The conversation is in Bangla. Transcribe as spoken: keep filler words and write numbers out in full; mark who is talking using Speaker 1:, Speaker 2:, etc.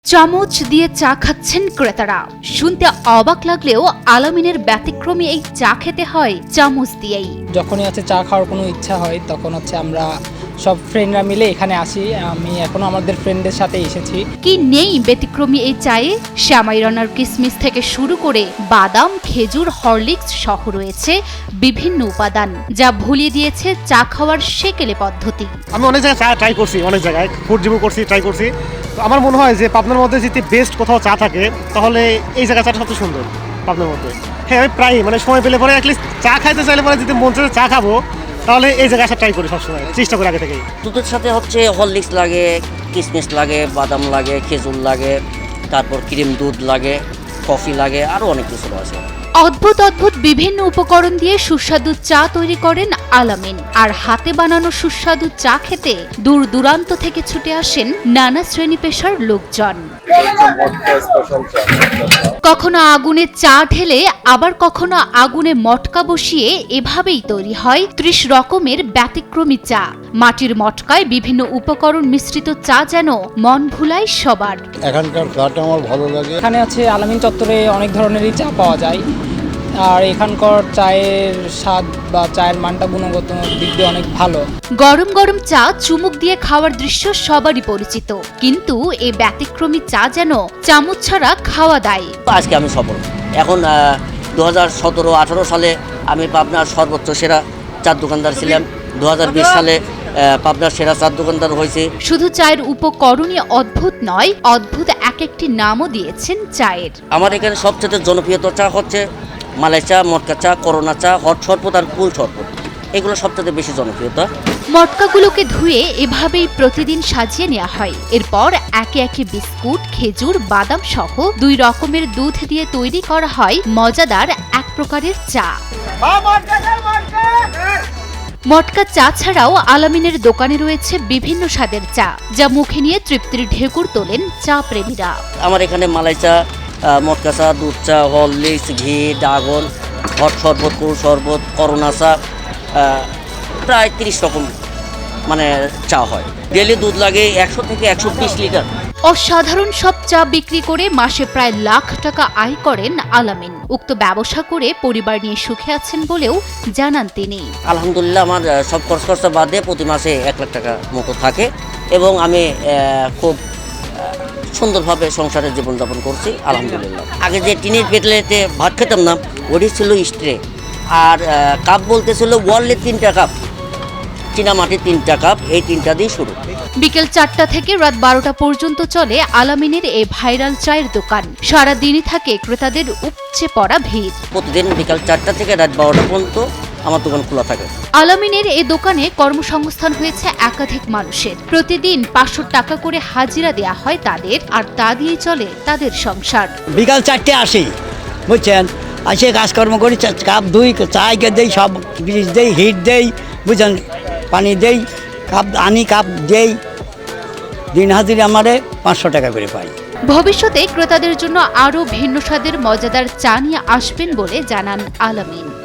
Speaker 1: চামচ দিয়ে চা খাচ্ছেন ক্রেতারা। শুনতে অবাক লাগলেও আলামিনের ব্যতিক্রমী এই চা খেতে হয় চামচ দিয়েই।
Speaker 2: যখনই হচ্ছে চা খাওয়ার কোনো ইচ্ছা হয় তখন হচ্ছে আমরা সব ফ্রেন্ডরা মিলে এখানে আসি। আমি এখনো আমাদের ফ্রেন্ডদের সাথে এসেছি।
Speaker 1: কি নেই ব্যতিক্রমী এই চায়ে? শ্যামাই রান্নার কিসমিস থেকে শুরু করে বাদাম, খেজুর, হরলিক্স সহ রয়েছে বিভিন্ন উপাদান, যা ভুলিয়ে দিয়েছে চা খাওয়ার সেকেলে পদ্ধতি।
Speaker 3: আমি অনেক জায়গায় চা ট্রাই করছি, অনেক জায়গায় ফুড রিভিউ করছি, ট্রাই করছি। তো আমার মনে হয় যে পাবনার মধ্যে যদি বেস্ট কোথাও চা থাকে তাহলে এই জায়গা চাটা সবচেয়ে সুন্দর পাবনার মধ্যে। হ্যাঁ, আমি প্রায় মানে সময় পেলে পরে অ্যাটলিস্ট চা খাইতে চাইলে পরে যদি মন চায় চা খাবো তাহলে এই জায়গায় আসা ট্রাই করি, সবসময় চেষ্টা করি আগে থেকেই।
Speaker 4: দুধের সাথে হচ্ছে হরলিক্স লাগে, কিশমিশ লাগে, বাদাম লাগে, খেজুর লাগে, তারপর ক্রিম দুধ লাগে, কফি লাগে, আরও অনেক কিছু আছে।
Speaker 1: অদ্ভুত অদ্ভুত বিভিন্ন উপকরণ দিয়ে সুস্বাদু চা তৈরি করেন আলামিন। আর হাতে বানানো সুস্বাদু চা খেতে দূর দূরান্ত থেকে ছুটে আসেন নানা শ্রেণী পেশার লোকজন। কখনো আগুনে চা ঢেলে, আবার কখনো আগুনে মটকা বসিয়ে এভাবেই তৈরি হয় ত্রিশ রকমের ব্যতিক্রমী চা। মাটির মটকায় বিভিন্ন উপকরণ মিশ্রিত চা যেন মন ভুলায় সবার।
Speaker 5: এখানকার চাটা আমার ভালো লাগে।
Speaker 2: এখানে আছে আলামিন চত্বরে অনেক ধরনেরই চা পাওয়া যায়। আর এখানকার চায়ের স্বাদ বা চায়ের মানটা গুণগত দিক দিয়ে অনেক ভালো।
Speaker 1: গরম গরম চা চুমুক দিয়ে খাওয়ার দৃশ্য সবারই পরিচিত, কিন্তু এই ব্যতিক্রমী চা যেন চামচ ছাড়া খাওয়া দায়।
Speaker 4: আজকে আমি সফল। এখন দু হাজার সতেরো আঠারো সালে আমি পাবনার সর্বোচ্চ সেরা চার দোকানদার ছিলাম। দু হাজার বিশ সালে পাবনার সেরা চার দোকানদার হয়েছে।
Speaker 1: শুধু চায়ের উপকরণই অদ্ভুত নয়, অদ্ভুত এক একটি নামও দিয়েছেন চায়ের।
Speaker 4: আমার এখানে সবচেয়ে জনপ্রিয়ত চা হচ্ছে মালাই চা, মটকা চা, করোনা চা, হট শরবত আর কুল শরবত। এগুলো সবচেয়ে বেশি জনপ্রিয়তা।
Speaker 1: মটকাগুলোকে ধুয়ে এভাবেই প্রতিদিন সাজিয়ে নেওয়া হয়। এরপর একে একে বিস্কুট, খেজুর, বাদাম সহ দুই রকমের দুধ দিয়ে তৈরি করা হয় মজাদার এক প্রকারের চা। মটকা চা ছাড়াও আলামিনের দোকানে রয়েছে বিভিন্ন স্বাদের চা, যা মুখে নিয়ে তৃপ্তির ঢেকুর তোলেন চা প্রেমীরা।
Speaker 4: আমার এখানে মালাই চা, মটকা চা, দুধ চা, হরলিক্স, ঘি, ড্রাগন, হট শরবত, কুল শরবত, করোনা চা, প্রায় তিরিশ রকম মানে চা হয়। ডেলি দুধ লাগে একশো থেকে একশো বিশ লিটার।
Speaker 1: অসাধারণ সব চা বিক্রি করে মাসে প্রায় লাখ টাকা আয় করেন আলামিন। উক্ত ব্যবসা করে পরিবার নিয়ে সুখে আছেন বলেও জানান তিনি।
Speaker 4: আলহামদুলিল্লাহ, আমার সব খরচ খরচা বাদে প্রতি মাসে এক লাখ টাকা মতো থাকে এবং আমি খুব সুন্দরভাবে সংসারের জীবনযাপন করছি আলহামদুলিল্লাহ। আগে যে টিনের পেটলেতে ভাত খেতাম না, ওটি ছিল স্ট্রে, আর কাপ বলতে ছিল ওয়ার্ল্ডের তিনটা কাপ, চীনা মাটির তিনটা কাপ, এই তিনটা দিয়ে শুরু।
Speaker 1: বিকেল চারটা থেকে রাত বারোটা পর্যন্ত চলে আলামিনের এই ভাইরাল চায়ের দোকান। সারাদিনই থাকে ক্রেতাদের উপচে পড়া ভিড়।
Speaker 4: প্রতিদিন বিকাল চারটা থেকে রাত বারোটা পর্যন্ত আমার দোকান খোলা থাকে।
Speaker 1: আলামিনের এই দোকানে কর্মসংস্থান হয়েছে একাধিক মানুষের। প্রতিদিন পাঁচশো টাকা করে হাজিরা দেয়া হয় তাদের, আর তা দিয়ে চলে তাদের সংসার।
Speaker 6: বিকাল চারটে আসি, বুঝছেন, আসে কাজকর্ম করি, কাপ দুই চায়কে দেই, সব ব্রিজ দেই, হিট দেই, বুঝছেন, পানি দেই, কাপ আনি, কাপ দেই। দিন হাজিরা আমারে পাঁচশো টাকা করে পাই।
Speaker 1: ভবিষ্যতে ক্রেতাদের জন্য আরও ভিন্ন স্বাদের মজাদার চা নিয়ে আসবেন বলে জানান আলামিন।